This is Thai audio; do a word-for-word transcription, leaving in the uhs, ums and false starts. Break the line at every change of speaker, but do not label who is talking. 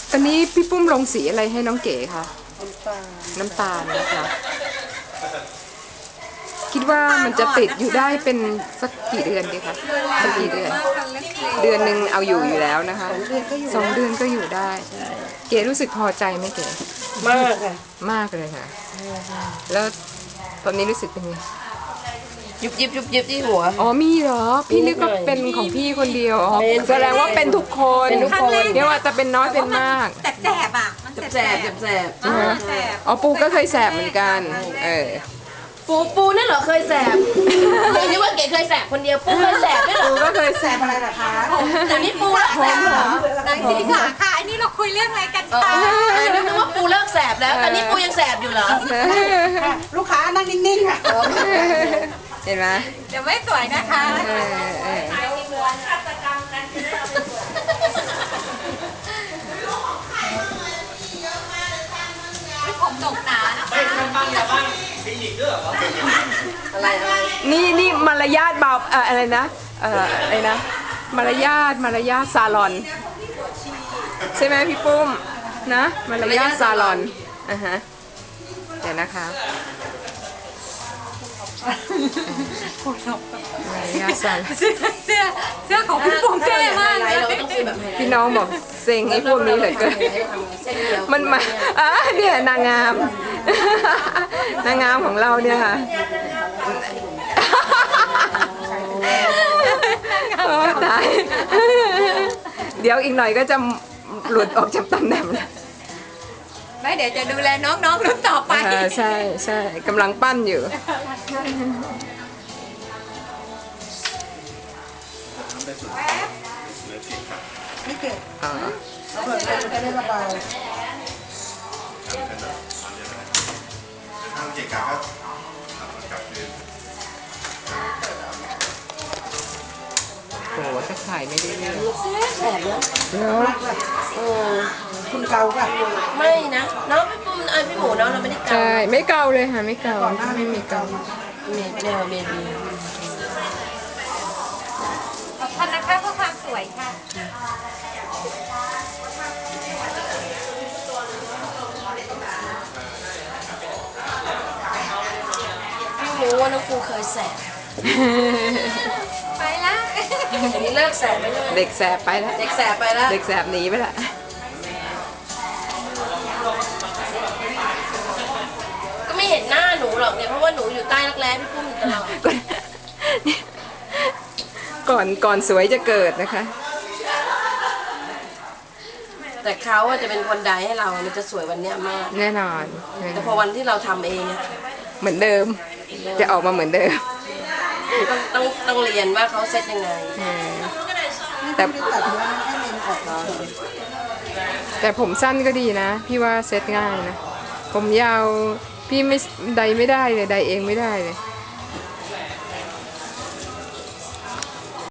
ตอนนี้พี่ปุ้มลงสีอะไรให้น้องเก๋คะน้ำตาลนะคะคิดว่ามันจะติดอยู่ได้เป็นสักกี่เดือนดีคะสักกี่เดือนเดือนหนึ่งเอาอยู่อยู่แล้วนะคะสองเดือนก็อยู่ได้เก๋รู้สึกพอใจไหมเก๋
มากค่ะ
มากเลยค่ะแล้วตอนนี้รู้สึกเป็นไง
ยุบยิบยุบยิบที่หัว
อ๋อมีเหรอพี่นึกว่าเป็นของพี่คนเดียวอ๋อแสดงว่าเป็นทุกคน
เป็นทุกคน
เรียกว่าจะเป็นน้อยเป็นมาก
แต่แสบอ่ะมัน
แสบแสบแสบ
อ๋อปูก็เคยแสบเหมือนกันเออ
ปูปูนั่นเหรอเคยแสบเดี๋ยวนี้ว่าเก๋เคยแสบคนเดียวปูเคยแสบด้วยเหรอ
ปูก็เคยแสบ
อะไรล่ะคะเดี๋ยวนี้ปูเลิกแสบเหรอนางสีค่ะค่ะอันนี้เราคุยเรื่องอะไรกันคะ
นึกว่าปูเลิกแสบแล้วตอนนี้ปูยังแสบอยู่เหรอ
ลูกค้านั่งนิ่งๆค่ะ
เห็นไหม
เดี๋ยวไม่สวยนะคะผมดกหนา
อะไรอะไร
นี่นี่มารยาทเบาเอ่ออะไรนะเอ่ออะไรนะมารยาทมารยาทซาลอนใช่ไหมพี่ปุ้มนะมารยาทซาลอนอ่ะฮะเดี๋ยวนะคะมารยาทซาลอน
เสื้อเสื้อเสื้อของพี่ปุ้มเท่มาก
พี่น้องบอกเซ็งไอ้พวกนี้เหลือเกินมันมาอ่ะเนี่ยนางงามนางงามของเราเนี่ยค่ะโอ้ตายเดี๋ยวอีกหน่อยก็จะหลุดออกจากตำแหน่ง
ไม่เดี๋ยวจะดูแลน้องๆรุ่นต่อไป
ใช่ใช่กำลังปั้นอยู่
ไม่เกิด
อ๋อ
เปิดเลยจะได้ระบาย
ทางเกียรติการก็กลับคืน
โหจะขายไม่ได้เลย
แสบเนาะ
เนาะ
เออ
คุณเกาป่ะ
ไม่นะน้องพี่ปุ้มไอพี่หมูน้องเราไม่ได้เกา
ใช่ไม่เกาเลยค่ะไม่เกาไม่มีเกา
เมนเมนเมน
ขอบคุณนะคะเพื่อความสวยค่ะ
พี่หมูว่าน้องปูเคยแสบ
ไปละ
อันนี้เลิกแสบไปเลย
เด็กแสบไปแล้ว
เด็กแสบไปแล้ว
เด็กแสบหนีไปละ
ก็ไม่เห็นหน้าหนูหรอกเนี่ยเพราะว่าหนูอยู่ใต้รักแร้พี่ปุ้มอยู่ตลอด
ก่อนก่อนสวยจะเกิดนะคะ
แต่เขาจะเป็นคนใดให้เรามันจะสวยวันนี้มาก
แน่นอน
แต่พอวันที่เราทำเองอะ
เหมือนเดิมจะออกมาเหมือนเดิม
ต้องต้องต้องเรียนว่าเขาเซ็ตยังไง
แต่แต่ผมสั้นก็ดีนะพี่ว่าเซ็ตง่ายนะผมยาวพี่ไม่ใดไม่ได้เลยใดเองไม่ได้เลย